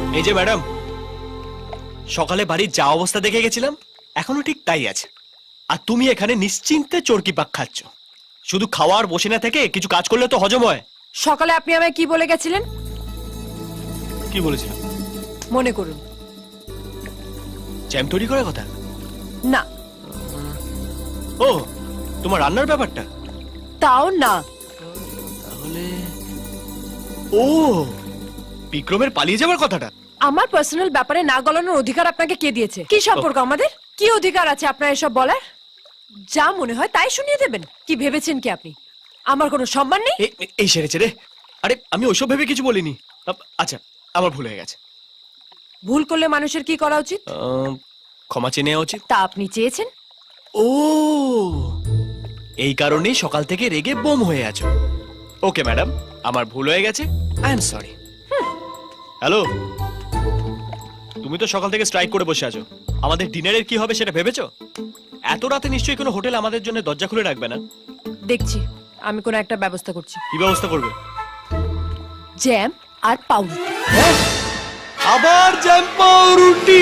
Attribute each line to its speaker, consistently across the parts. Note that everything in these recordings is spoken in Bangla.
Speaker 1: এই যে ম্যাডাম, সকালে বাড়ির যা অবস্থা দেখে গেছিলাম এখনো ঠিক তাই আছে। আর তুমি এখানে নিশ্চিন্তে চরকি পাক খাচ্ছ। শুধু খাওয়ার বসে না থেকে কিছু কাজ করলে তো হজম হয়।
Speaker 2: সকালে আপনি আমায় কি বলে গেছিলেন?
Speaker 1: কি বলেছিলাম?
Speaker 2: মনে করুন।
Speaker 1: জ্যাম তৈরি করার কথা?
Speaker 2: না।
Speaker 1: ও, তোমার রান্নার ব্যাপারটা?
Speaker 2: তাও না।
Speaker 1: তাহলে ও, বিক্রমের পালিয়ে যাওয়ার কথাটা?
Speaker 2: আমার পার্সোনাল ব্যাপারে না গলানোর অধিকার আপনাকে কে দিয়েছে? কি সম্পর্ক আমাদের? কি অধিকার আছে আপনার এসব বলার? যা মনে হয় তাই শুনিয়ে দেবেন? কি ভেবেছেন কি আপনি আমার কোনো সম্মান নেই?
Speaker 1: এই সেরেছে রে। আরে আমি ওইসব ভেবে কিছু বলিনি। আচ্ছা, আমার ভুল হয়ে গেছে।
Speaker 2: ভুল করলে মানুষের কি করা উচিত?
Speaker 1: ক্ষমা চেয়ে নেওয়া উচিত।
Speaker 2: তা আপনি চেয়েছেন?
Speaker 1: ও, এই কারণেই সকাল থেকে রেগে বোম হয়ে আছো। ওকে ম্যাডাম, আমার ভুল হয়ে গেছে, আই এম সরি। হ্যালো, তুমি তো সকাল থেকে স্ট্রাইক করে বসে আছো। আমাদের ডিনারের কি হবে সেটা ভেবেছো? এত রাতে নিশ্চয়ই কোনো হোটেল আমাদের জন্য দরজা খুলে রাখবে না।
Speaker 2: দেখছি আমি কোনো একটা ব্যবস্থা করছি।
Speaker 1: কি ব্যবস্থা করবে?
Speaker 2: জ্যাম আর পাউরুটি।
Speaker 1: আবার জ্যাম পাউরুটি?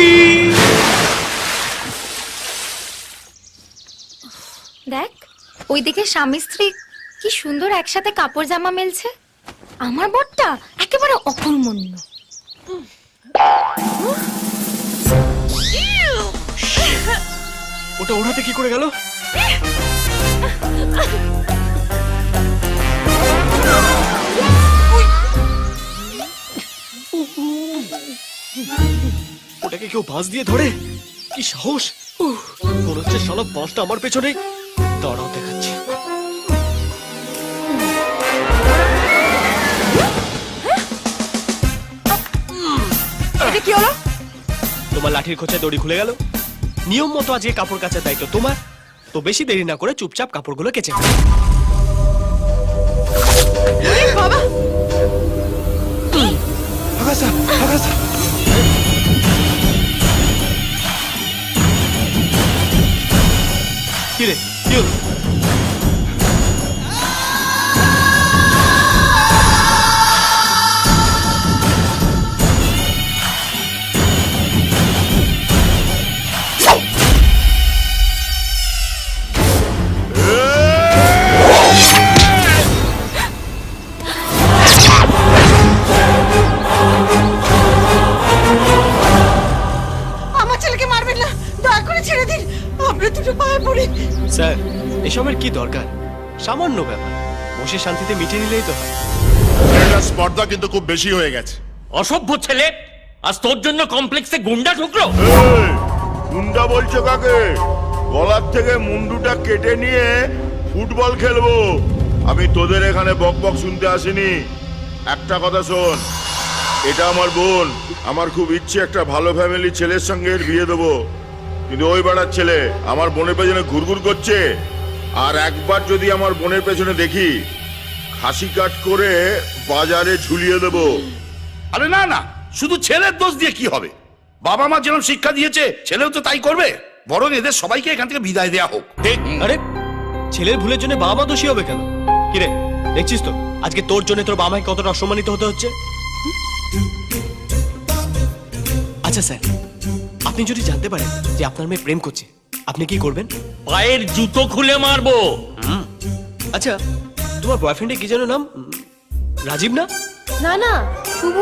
Speaker 3: দেখ, ওইদিকে স্বামী স্ত্রী কি সুন্দর একসাথে কাপড় জামা মেলছে। আমার বরটা একেবারে অকর্মণ্য।
Speaker 1: ওটা ওর হাতে কি করে গেল? ওটাকে কেউ বাঁশ দিয়ে ধরে? কি সাহস! মনে হচ্ছে শালা বাঁশটা আমার পেছনে। দাঁড়াও, দেখাচ্ছি।
Speaker 2: এটা কি হলো?
Speaker 1: তোমার লাঠির খোঁচায় দড়ি খুলে গেল। নিয়ম মতো আজকে কাপড় কাচার দায়িত্ব তোমার। তো বেশি দেরি না করে চুপচাপ কাপড়গুলো কেচে ফেলো।
Speaker 2: বাবা,
Speaker 1: আগাসা, আগাসা। কি রে, কি হলো?
Speaker 2: আমার ছেলেকে মারবেন না, দয়া করে ছেড়ে দিন। আমরা দুটো পায়ে পড়ি।
Speaker 1: স্যার, এসবের কি দরকার? সামান্য ব্যাপার, বসে শান্তিতে মিটিয়ে নিলেই তো হয়।
Speaker 4: এটা স্পর্ধা কিন্তু খুব বেশি হয়ে গেছে।
Speaker 5: অসভ্য ছেলে, আজ তোর জন্য কমপ্লেক্সে গুন্ডা ঢুকলো।
Speaker 4: এই, গুন্ডা বলছো কাকে? গলার থেকে মুন্ডুটা কেটে নিয়ে ফুটবল খেলবো। আমি তোদের এখানে বকবক শুনতে আসিনি। একটা কথা শোন, এটা আমার বোন। আমার খুব ইচ্ছে একটা ভালো ফ্যামিলি ছেলের সঙ্গে এর বিয়ে দেবো, কিন্তু ওই বেড়ার ছেলে আমার বোনের পেছনে ঘুরঘুর করছে। আর একবার যদি আমার বোনের পেছনে দেখি, খাসি কাট করে বাজারে ঝুলিয়ে দেবো।
Speaker 6: আরে না না, শুধু ছেলের দোষ দিয়ে কি হবে? বাবা মা যেরকম শিক্ষা দিয়েছে ছেলেও তো তাই করবে। বরং এদের সবাইকে এখান থেকে বিদায় দেয়া হোক।
Speaker 1: আরে, ছেলের ভুলের জন্য বাবা মা দোষী হবে কেন? কিরে, দেখছিস তো আজকে তোর জন্য তোর বাবা মাকে কতটা অসম্মানিত হতে হচ্ছে। আচ্ছা স্যার, আপনি যদি জানতে পারেন যে আপনার মেয়ে প্রেম করছে, আপনি কি করবেন?
Speaker 5: পায়ের জুতো খুলে মারবো।
Speaker 1: আচ্ছা, তোমার বয়ফ্রেন্ডের কি যেন নাম? রাজীব না?
Speaker 2: না না, শুভ।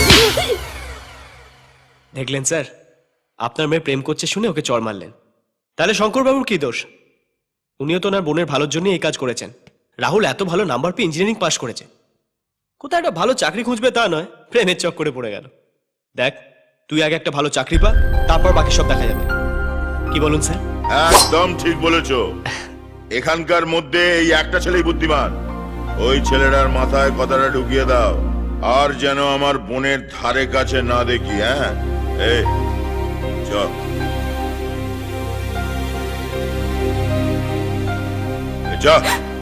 Speaker 1: দেখলেন স্যার, আপনার মেয়ে প্রেম করছে শুনে ওকে চড় মারলেন। তাহলে শঙ্করবাবুর কি দোষ? উনিও তো ওনার বোনের ভালোর জন্য এই কাজ করেছেন। রাহুল এত ভালো নাম্বার পেয়ে ইঞ্জিনিয়ারিং পাশ করেছে, কোথায় একটা ভালো চাকরি খুঁজবে তা নয়, প্রেমের চক্করে পড়ে গেল। দেখ, তুই আগে একটা ভালো চাকরি পা, তারপর বাকি সব দেখা যাবে। কি বলুন স্যার?
Speaker 4: একদম ঠিক বলেছো। এখানকার মধ্যে এই একটা ছেলেই বুদ্ধিমান। ওই ছেলেটার মাথায় কথাটা ঢুকিয়ে দাও, আর যেন আমার বোনের ধারে কাছে না দেখি। হ্যাঁ, এই চল। চল।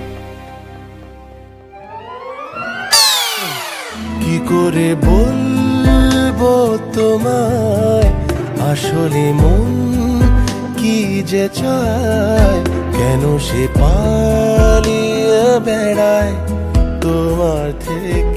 Speaker 7: কি করে বলবো তোমায় আসলে মন কি যে চায়, কেন সে পালিয়ে বেড়ায় তোমার থেকে।